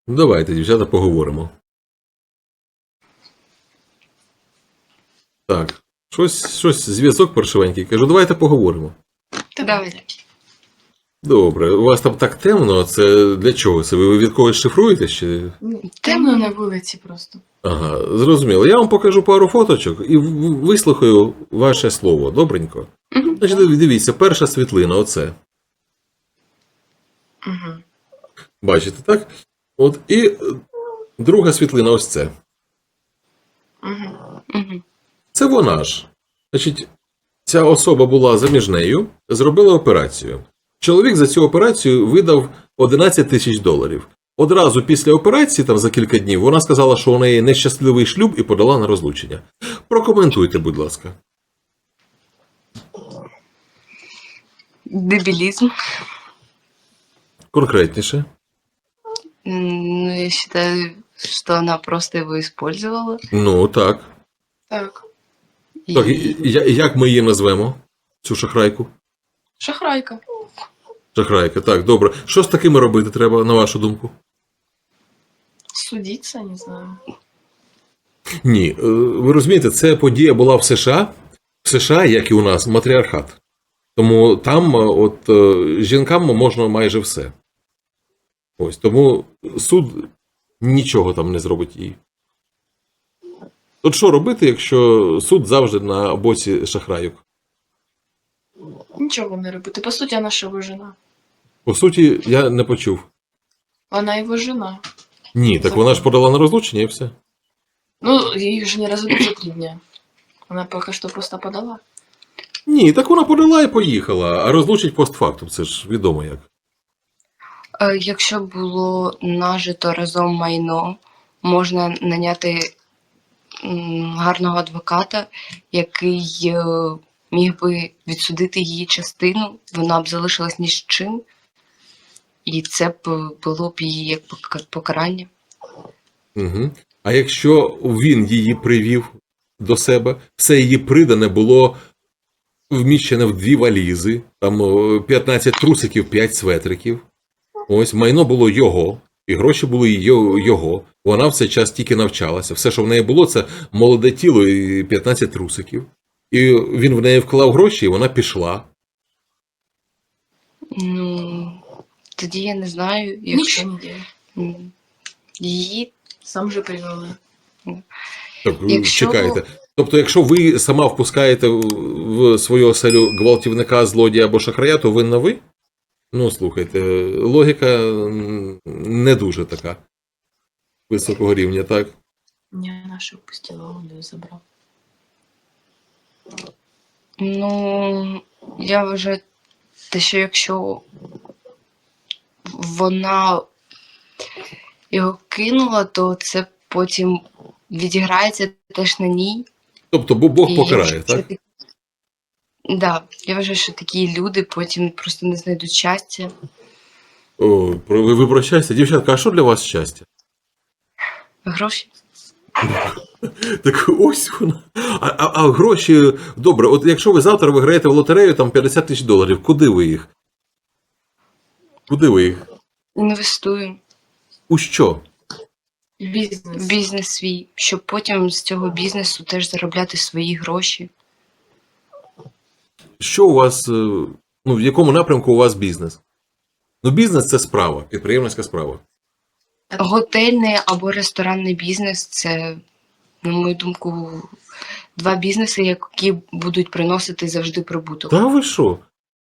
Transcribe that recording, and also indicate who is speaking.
Speaker 1: Ну, давайте, дівчата, поговоримо. Так, щось зв'язок паршивенький. Кажу, давайте поговоримо.
Speaker 2: Давайте.
Speaker 1: Добре, у вас там так темно, це для чого? Це ви від когось шифруєтесь? Чи...
Speaker 2: Темно на вулиці просто.
Speaker 1: Ага, зрозуміло. Я вам покажу пару фоточок і вислухаю ваше слово. Добренько?
Speaker 2: Угу.
Speaker 1: Значить, дивіться, перша світлина, оце.
Speaker 2: Угу.
Speaker 1: Бачите, так? От, і друга світлина, ось це.
Speaker 2: Угу. Угу.
Speaker 1: Це вона ж. Значить, ця особа була заміжнею, зробила операцію. Чоловік за цю операцію видав $11 000. Одразу після операції, там за кілька днів, вона сказала, що у неї нещасливий шлюб і подала на розлучення. Прокоментуйте, будь ласка.
Speaker 2: Дебилизм.
Speaker 1: Конкретніше.
Speaker 2: Ну, я считаю, что она просто его использовала.
Speaker 1: Ну, так.
Speaker 2: Так.
Speaker 1: Так, і як ми її назвемо, цю шахрайку?
Speaker 2: Шахрайка.
Speaker 1: Шахрайка, так, добре. Що з такими робити треба, на вашу думку?
Speaker 2: Судиться, не знаю.
Speaker 1: Ні, ви розумієте, ця подія була в США. В США, як і у нас, матріархат. Тому там от жінкам можна майже все. Ось, тому суд нічого там не зробить їй. От що робити, якщо суд завжди на боці шахрайок?
Speaker 2: Нічого не робити. По суті, вона ж його жена.
Speaker 1: По суті, я не почув.
Speaker 2: Вона його жена.
Speaker 1: Ні, так вона ж подала на розлучення і все.
Speaker 2: Ну, їх же не разводят за 3 дня. Вона поки що просто подала.
Speaker 1: Ні, так вона подала і поїхала, а розлучить постфактум, це ж відомо як.
Speaker 3: Якщо було нажито разом майно, можна наняти гарного адвоката, який міг би відсудити її частину, вона б залишилась ні з чим, і це б було б її як покарання.
Speaker 1: Угу. А якщо він її привів до себе, все її придане було вміщене в 2 валізи, там 15 трусиків, 5 светриків. Ось, майно було його, і гроші були його. Вона в цей час тільки навчалася. Все, що в неї було, це молоде тіло і 15 трусиків. І він в неї вклав гроші, і вона пішла.
Speaker 3: Ну, тоді я не знаю, якщо
Speaker 2: Нічого не делать.
Speaker 3: її
Speaker 2: Сам же привела.
Speaker 1: Так,
Speaker 3: Якщо-
Speaker 1: чекайте. Тобто, якщо ви сама впускаєте в свою оселю гвалтівника, злодія або шахрая, то винна ви? Ну, слухайте, логіка не дуже така високого рівня, так?
Speaker 2: Не, вона ж впустила, он її забрав.
Speaker 3: Ну, я вважаю, те, що якщо вона його кинула, то це потім відіграється теж на ній.
Speaker 1: Тобто, Бог
Speaker 3: І
Speaker 1: покарає,
Speaker 3: якщо
Speaker 1: так?
Speaker 3: Да, я вважаю, що такі люди потім просто не знайдуть щастя.
Speaker 1: О, ви про щастя. Дівчатка, а що для вас щастя?
Speaker 3: Гроші.
Speaker 1: Так ось вона. А гроші, добре, от якщо ви завтра виграєте в лотерею там $50 000, куди ви їх? Куди ви їх?
Speaker 3: Інвестую
Speaker 1: У що?
Speaker 2: І бізнес.
Speaker 3: в бізнес свій, щоб потім з цього бізнесу теж заробляти свої гроші.
Speaker 1: Що у вас, ну, в якому напрямку у вас бізнес? Ну, бізнес – це справа, підприємницька справа.
Speaker 3: Готельний або ресторанний бізнес це, на мою думку, 2 бізнеси, які будуть приносити завжди прибуток.
Speaker 1: Та ви що?